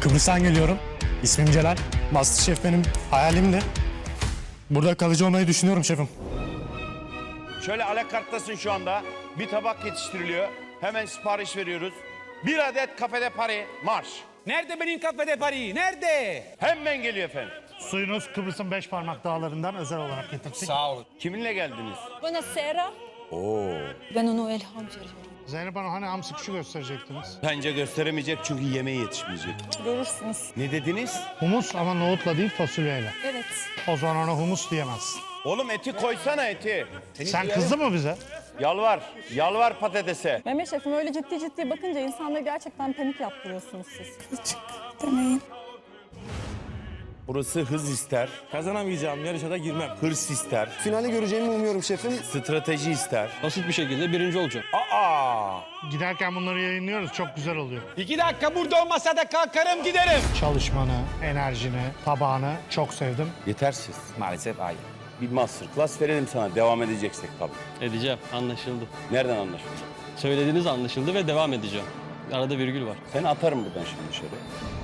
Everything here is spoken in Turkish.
Kıbrıs'tan geliyorum. İsmim Celal. MasterChef benim hayalimdi. Burada kalıcı olmayı düşünüyorum şefim. Şöyle alakarttasın şu anda. Bir tabak yetiştiriliyor. Hemen sipariş veriyoruz. Bir adet kafede Paris marş. Nerede benim kafede Paris? Nerede? Hemen geliyor efendim. Suyunuz Kıbrıs'ın 5 parmak dağlarından özel olarak getirdik. Sağ olun. Kiminle geldiniz? Buonasera. Ben onu ilham veriyorum. Zeynep Hanım hani hamsi kuşu gösterecektiniz. Bence gösteremeyecek çünkü yemeği yetişmeyecek. Görürsünüz. Ne dediniz? Humus ama nohutla değil fasulyeyle. Evet. O zaman ona humus diyemezsin. Oğlum eti koysana eti. Sen kızdın mı bize? Yalvar. Yalvar patatese. Mehmet Şef'im öyle ciddi ciddi bakınca insanları gerçekten panik yaptırıyorsunuz siz. Küçük demeyin. Burası hız ister, Kazanamayacağım yarışa da girmem. hırs ister, Finali göreceğimi umuyorum şefim. strateji ister. Basit bir şekilde birinci olacağım. Aa! Giderken bunları yayınlıyoruz. Çok güzel oluyor. 2 dakika burada olmasa da kalkarım giderim. Çalışmanı, enerjini, tabağını çok sevdim. Yetersiz. Maalesef hayır. Bir masterclass verelim sana. Devam edeceksek tabii. Edeceğim, anlaşıldı. Nereden anlaşıldı? Söylediğiniz anlaşıldı ve devam edeceğim. Arada virgül var. Seni atarım buradan şimdi dışarı.